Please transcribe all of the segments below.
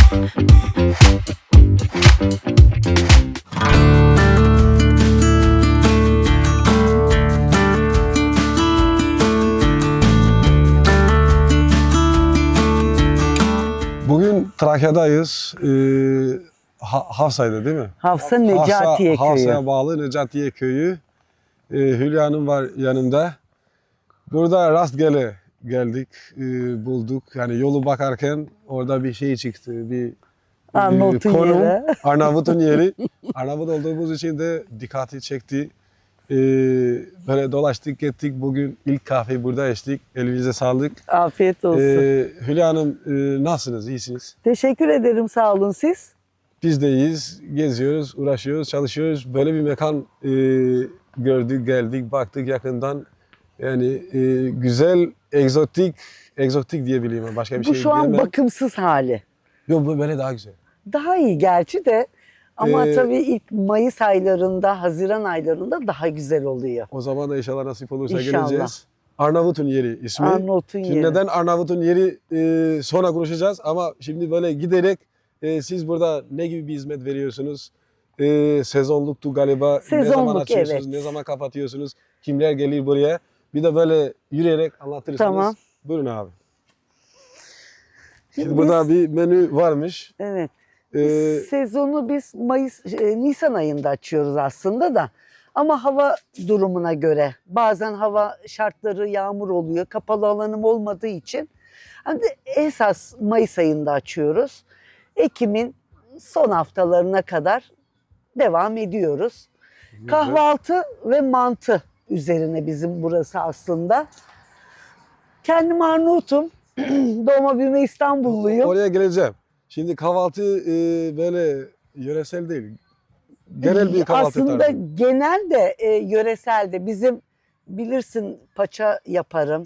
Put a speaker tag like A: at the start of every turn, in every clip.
A: Bugün Trakya'dayız. Hafsa'ydı değil mi?
B: Hafsa Necatiye Köyü.
A: Hafsa'ya bağlı Necatiye Köyü. Hülya Hanım var yanımda. Burada rastgele geldik, bulduk. Yani yolu bakarken orada bir şey çıktı. Bir
B: Arnavut'un
A: konum,
B: yeri.
A: Arnavut'un yeri. Arnavut olduğumuz için de dikkati çekti. Böyle dolaştık gittik. Bugün ilk kahveyi burada içtik. Elinize sağlık.
B: Afiyet olsun.
A: Hülya Hanım nasılsınız? İyisiniz?
B: Teşekkür ederim, sağ olun siz.
A: Biz de iyiyiz. Geziyoruz, uğraşıyoruz, çalışıyoruz. Böyle bir mekan gördük, geldik, baktık yakından. Yani güzel, egzotik diyebilirim. Başka bir
B: Bu
A: şey
B: şu an
A: diyemem.
B: bakımsız hali.
A: Yok bu böyle daha güzel.
B: Daha iyi gerçi de ama
A: Ee,
B: tabii ilk Mayıs aylarında, Haziran aylarında daha güzel oluyor.
A: O zaman da inşallah nasip olursa
B: İnşallah.
A: geleceğiz. Arnavut'un yeri ismi.
B: Arnavut'un
A: Şimdi
B: yeri.
A: neden Arnavut'un yeri sonra konuşacağız ama şimdi böyle giderek siz burada ne gibi bir hizmet veriyorsunuz? Sezonluktu galiba. Ne zaman
B: Sezonluk,
A: açıyorsunuz,
B: evet.
A: ne zaman kapatıyorsunuz? Kimler gelir buraya? Bir de böyle yürüyerek anlatırsınız.
B: Tamam.
A: Buyurun abi.
B: Şimdi
A: Şimdi burada bir menü varmış.
B: Evet.
A: Ee,
B: Sezonu biz Nisan ayında açıyoruz aslında da. Ama hava durumuna göre bazen hava şartları yağmur oluyor. Kapalı alanım olmadığı için hani esas Mayıs ayında açıyoruz. Ekim'in son haftalarına kadar devam ediyoruz.
A: güzel.
B: Kahvaltı ve mantı üzerine bizim burası aslında. Kendim Arnavut'um. Doğma büyüme İstanbulluyum.
A: Oraya geleceğim. Şimdi kahvaltı böyle yöresel değil. Genel bir kahvaltı
B: Aslında
A: tarzı.
B: genel de yöresel de bizim bilirsin paça yaparım.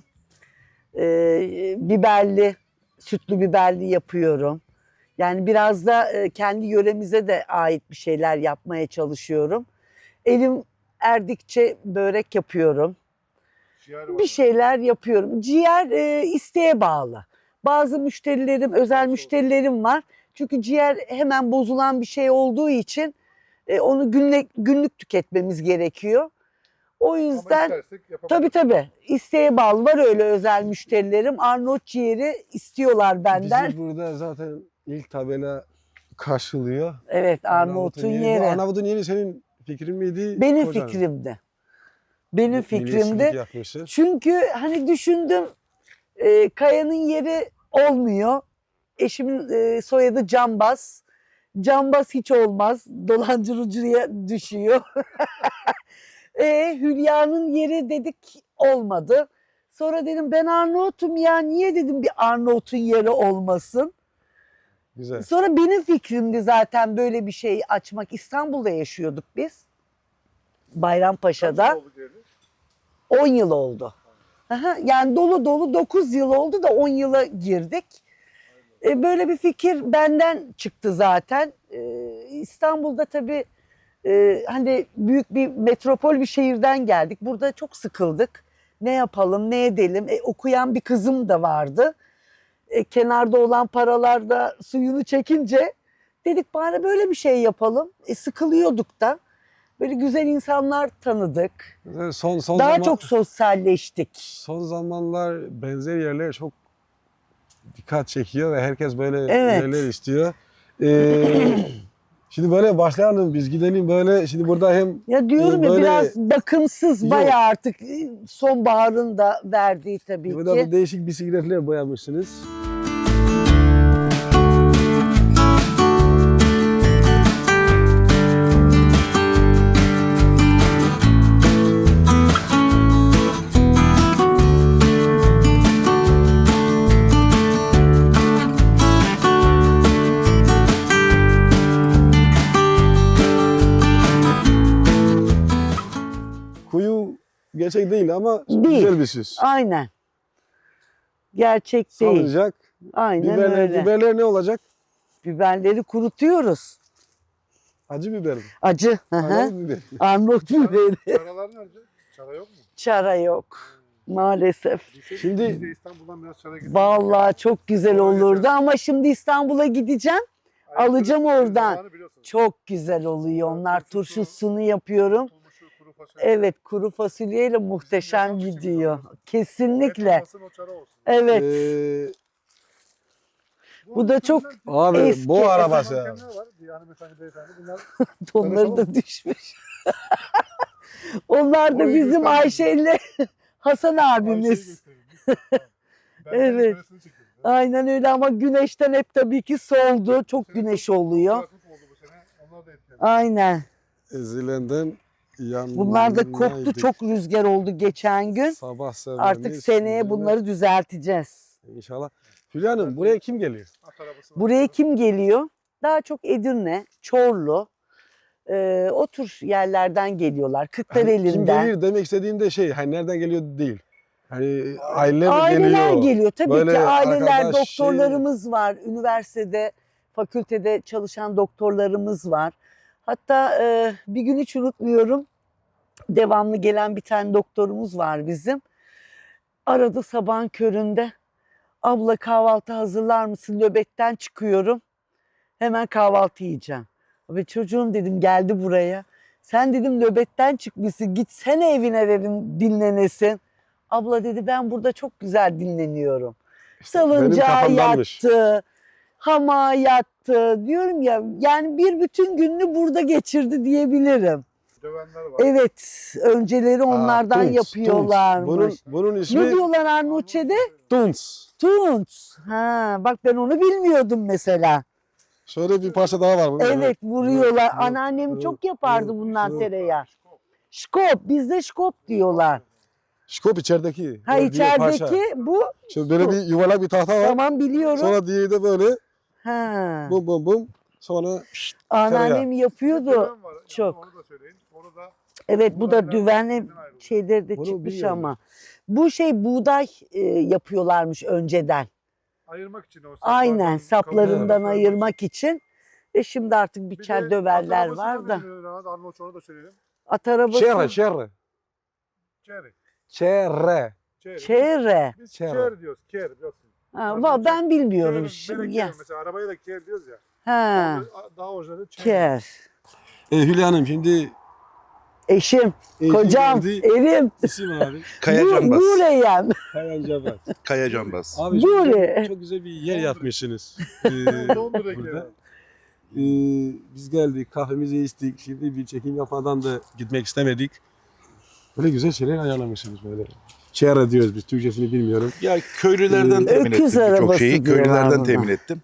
B: Biberli, sütlü biberli yapıyorum. Yani biraz da kendi yöremize de ait bir şeyler yapmaya çalışıyorum. Elim erdikçe börek yapıyorum. Bir şeyler yapıyorum. Ciğer isteğe bağlı. Bazı müşterilerim, özel müşterilerim var. Çünkü ciğer hemen bozulan bir şey olduğu için onu günlük tüketmemiz gerekiyor. O yüzden tabii isteğe bağlı, var öyle özel müşterilerim. Arnavut ciğeri istiyorlar benden.
A: Bizi burada zaten ilk tabela karşılıyor.
B: Evet, Arnavut'un yeri.
A: Bu Arnavut'un yeri senin fikrin miydi?
B: Benim
A: kocanın?
B: fikrimdi. Benim
A: Milliyetçilik
B: fikrimdi.
A: yapmışsın.
B: Çünkü hani düşündüm, Kaya'nın yeri olmuyor. Eşimin soyadı Cambaz. Cambaz hiç olmaz. Dolandırıcıya düşüyor. Hülya'nın yeri dedik, olmadı. Sonra dedim ben Arnavut'um ya, niye dedim bir Arnavut'un yeri olmasın.
A: Güzel.
B: Sonra benim fikrimdi zaten böyle bir şey açmak. İstanbul'da yaşıyorduk biz. Bayrampaşa'da. 10 yıl oldu. Aha, yani dolu dolu 9 yıl oldu da 10 yıla girdik. Böyle bir fikir benden çıktı zaten. İstanbul'da tabii hani büyük bir metropol bir şehirden geldik. Burada çok sıkıldık. Ne yapalım, ne edelim? Okuyan bir kızım da vardı. Kenarda olan paralar da suyunu çekince dedik bari böyle bir şey yapalım. Sıkılıyorduk da. Böyle güzel insanlar tanıdık. Daha çok sosyalleştik.
A: Son zamanlar benzer yerler çok dikkat çekiyor ve herkes böyle
B: Evet.
A: yerler istiyor. Şimdi böyle başlayalım, biz gidelim böyle. Şimdi burada hem
B: Ya diyorum ya
A: böyle-
B: biraz bakımsız,
A: Yok.
B: bayağı artık sonbaharın da verdiği tabii
A: burada
B: ki.
A: değişik bisikletler boyamışsınız. Kuyu gerçek değil ama
B: Değil.
A: güzel bir süs.
B: Aynen. Gerçek değil.
A: Salınacak.
B: Aynen öyle.
A: Biberler ne olacak?
B: Biberleri kurutuyoruz.
A: Acı biber mi?
B: Acı. Hı hı.
A: Arnavut biber.
B: Arnavut biberi.
C: Çaralar nerede? Çara yok mu?
B: Çara yok. Maalesef.
A: Şimdi-
C: Biz de İstanbul'dan biraz çara gittik.
B: Vallahi çok güzel olurdu ama şimdi İstanbul'a gideceğim. Alacağım oradan.
C: Zamanı biliyorsunuz.
B: Çok güzel oluyor. Onlar turşusunu yapıyorum.
C: Tutulmuşu, kuru fasulye.
B: Evet, kuru fasulyeyle muhteşem
C: yaşam için
B: gidiyor.
C: güzel
B: Kesinlikle.
C: Yapılmasın, o çare olsun.
B: Evet. Bu da çok
A: Abi
B: eski.
A: bu arabası ya.
C: Mankenler var. Bir hanımefendi, beyefendi. Bunlar
B: Onları da düşmüş. Onlar da
C: Orayı
B: bizim
C: göstermedim.
B: Ayşe ile Hasan abimiz.
C: gösterin. Ben
B: Evet.
C: karesini çektim.
B: Aynen öyle ama güneşten hep tabii ki soldu. Çok güneş oluyor.
C: Kuraklık oldu bu sene. Onlar da etkilendi.
B: Aynen.
A: Ezilenden yan.
B: Bunlar da koptu. Çok rüzgar oldu geçen gün.
A: Sabah
B: Artık seneye bunları düzelteceğiz.
A: İnşallah. Hülya Hanım buraya kim geliyor?
C: At arabası var.
B: Buraya kim geliyor? Daha çok Edirne, Çorlu, o tür yerlerden geliyorlar.
A: Hani kim
B: Kırklareli'nden.
A: geliyor demek istediğimde şey hani nereden geliyor değil. Hani aileler
B: Aileler
A: geliyor.
B: geliyor. Tabii
A: Böyle
B: ki aileler,
A: arkadaş, şey-
B: doktorlarımız var. Üniversitede, fakültede çalışan doktorlarımız var. Hatta bir gün hiç unutmuyorum. Devamlı gelen bir tane doktorumuz var bizim. Aradı sabahın köründe. Abla kahvaltı hazırlar mısın? Nöbetten çıkıyorum. Hemen kahvaltı yiyeceğim. Ve çocuğum dedim geldi buraya. Sen dedim nöbetten çıkmışsın. Gitsene evine dedim dinlenesin. Abla dedi ben burada çok güzel dinleniyorum. Salıncağa
A: kafamdanmış.
B: yattı. Hamağa yattı. Diyorum ya yani bir bütün gününü burada geçirdi diyebilirim.
C: Dövenler var.
B: Evet önceleri onlardan
A: Tunç,
B: yapıyorlarmış.
A: Tunç. Bunun
B: Ne
A: ismi
B: diyorlar Arnavutçe'de?
A: Tunç.
B: Tunç. Ha, bak ben onu bilmiyordum mesela.
A: Şöyle bir parça daha var. bunun.
B: Evet vuruyorlar.
A: Evet,
B: Anneannem
A: evet,
B: çok yapardı
A: evet,
B: bundan
A: evet.
B: tereyağı. Şkop. Bizde şkop diyorlar.
A: Şkop içerideki.
B: Ha
A: gördüğün parça.
B: içerideki bu.
A: Şimdi böyle bir yuvarlak bir tahta var.
B: Tamam biliyorum.
A: Sonra diğeri de böyle
B: Ha.
A: bum bum bum. Sonra
B: Anneannem yapıyordu.
C: Döven var. Yani
B: Çok.
C: Onu da söyleyin. Onu da
B: Evet bu da düvenli
C: ayrıldı.
B: şeyleri de
A: Bunu
B: çıkmış
A: biliyorum.
B: ama. Bu şey buğday yapıyorlarmış önceden.
C: ayırmak için o
B: Aynen
C: saplardan,
B: saplarından
C: kabuklardan
B: ayırmak için. Ve şimdi artık
C: Bir
B: biçer
C: de
B: döverler
C: at arabası
B: var da.
C: Arnavutçu da söyleyelim.
B: At arabası.
A: çerre çerre.
C: Çeri.
A: Çerre.
C: Çeri.
B: Çeyre.
C: Biz
A: Çeri.
C: çer diyoruz. Ker biliyorsun.
B: Ha, ben bilmiyorum
C: Çer,
B: şimdi.
C: melek
B: Ya.
C: ker. Mesela arabaya da ker diyoruz ya.
B: Ha.
C: Daha orijinali çer.
B: Ker.
A: Hülya Hanım şimdi
B: Eşim,
A: eşi
B: kocam,
A: geldi.
B: erim.
A: İsim abi.
D: Kaya Canbaz.
B: Buraya.
A: Kayan Cabat.
D: Kaya Canbaz.
A: Abi
B: Böyle.
A: çok güzel bir yer yapmışsınız.
C: Londra
A: burada.
C: ker.
A: Biz geldik, kahvemizi içtik. Şimdi bir çekim yapmadan da gitmek istemedik. Böyle güzel şeyler ayarlamışsınız böyle. Çerre diyoruz biz, Türkçesini bilmiyorum.
D: Ya köylülerden temin
B: Öküz
D: ettim birçok
B: arabası
D: şeyi.
B: diyorlar
D: Köylülerden
B: buna.
D: temin ettim.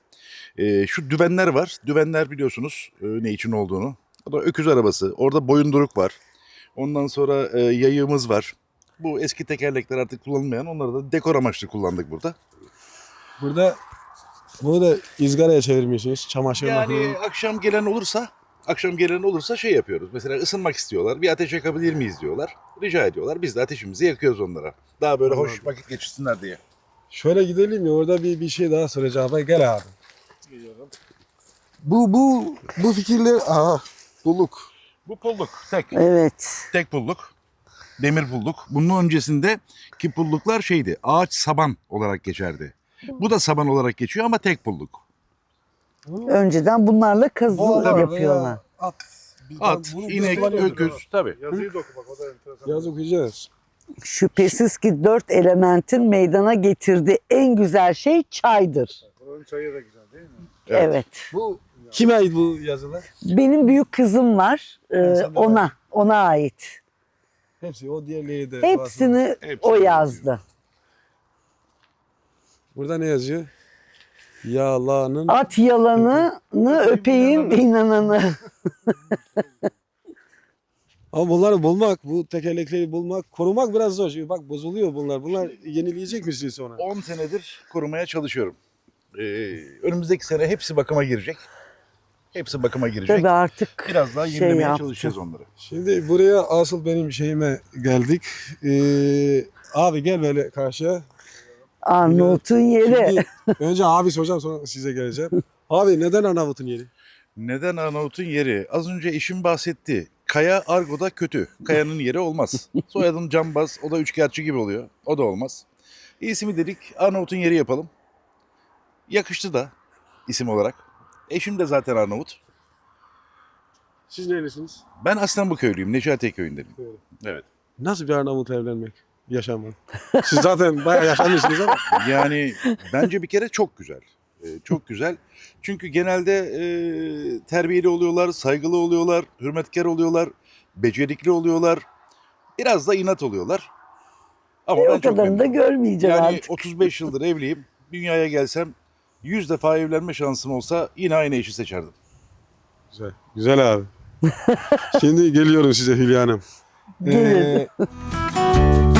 D: Şu düvenler var. Düvenler biliyorsunuz ne için olduğunu. O da öküz arabası. Orada boyunduruk var. Ondan sonra yayığımız var. Bu eski tekerlekler artık kullanılmayan, onları da dekor amaçlı kullandık burada.
A: Burada bunu da izgaraya çevirmişsiniz. Çamaşır
D: Yani
A: makinesi.
D: akşam gelen olursa şey yapıyoruz. Mesela ısınmak istiyorlar. Bir ateş yakabilir miyiz diyorlar. Rica ediyorlar. Biz de ateşimizi yakıyoruz onlara. Daha böyle hoş
A: Anladım.
D: vakit geçirsinler diye.
A: Şöyle gidelim ya, orada bir şey daha soracağım. Abi, gel abi. Bu fikirler, bulduk.
D: Bu pulluk. Tek.
B: Evet.
D: Tek pulluk. Demir pulluk. Bunun öncesinde ki pulluklar şeydi. Ağaç saban olarak geçerdi. Bu da saban olarak geçiyor ama tek pulluk.
B: Önceden bunlarla kazı
A: Tabii.
B: yapıyorlar.
A: At.
D: At,
A: Bunu
D: inek,
A: kullanıyoruz.
D: öküz. Tabii.
C: Yazıyı da oku bak, o da enteresan.
A: Yaz okuyacağız.
B: Şüphesiz ki 4 elementin meydana getirdiği en güzel şey çaydır.
C: Buranın çayı da güzel değil mi?
B: Evet.
A: Bu kime ait bu yazılar?
B: Benim büyük kızım var.
A: sen de
B: Ona ait.
A: Hepsi, o diğerleri de.
B: Hepsini
D: Hepsini
B: o yazdı.
A: Burada ne yazıyor? Yalanın.
B: At yalanını öpeyim inananı.
A: Ama bunları bulmak, bu tekerlekleri bulmak, korumak biraz zor. Şimdi bak bozuluyor bunlar. Bunlar yenileyecek misiniz sonra?
D: 10 senedir korumaya çalışıyorum. Önümüzdeki sene hepsi bakıma girecek. Hepsi bakıma girecek.
B: Tabii artık
D: Biraz daha
B: şey
D: yenilemeye
B: yaptı.
D: çalışacağız onları.
A: Şimdi buraya asıl benim şeyime geldik. Abi gel böyle karşıya.
B: Arnavut'un yeri.
A: Şimdi önce abi soracağım, sonra size geleceğim. Abi neden Arnavut'un yeri?
D: Neden Arnavut'un yeri? Az önce eşim bahsetti. Kaya Argo'da kötü. Kayanın yeri olmaz. Soyadım Canbaz. O da üçkağıtçı gibi oluyor. O da olmaz. İsmi dedik Arnavut'un yeri yapalım. Yakıştı da isim olarak. Eşim de zaten Arnavut.
A: Siz nerelisiniz?
D: Ben aslen bu köylüyüm. Necatiye köyündenim. Evet.
A: Nasıl bir Arnavut evlenmek? Yaşamak. Siz zaten bayağı yaşamışsınız ama.
D: Yani bence bir kere çok güzel. Çok güzel. Çünkü genelde terbiyeli oluyorlar, saygılı oluyorlar, hürmetkar oluyorlar, becerikli oluyorlar. Biraz da inat oluyorlar. Ama
B: O
D: ben çok
B: kadarını da
D: memnunum.
B: görmeyeceğim
D: Yani
B: artık.
D: 35 yıldır evliyim. Dünyaya gelsem 100 defa evlenme şansım olsa yine aynı eşi seçerdim.
A: Güzel. Güzel abi. Şimdi geliyorum size Hülya Hanım.
B: Gelin.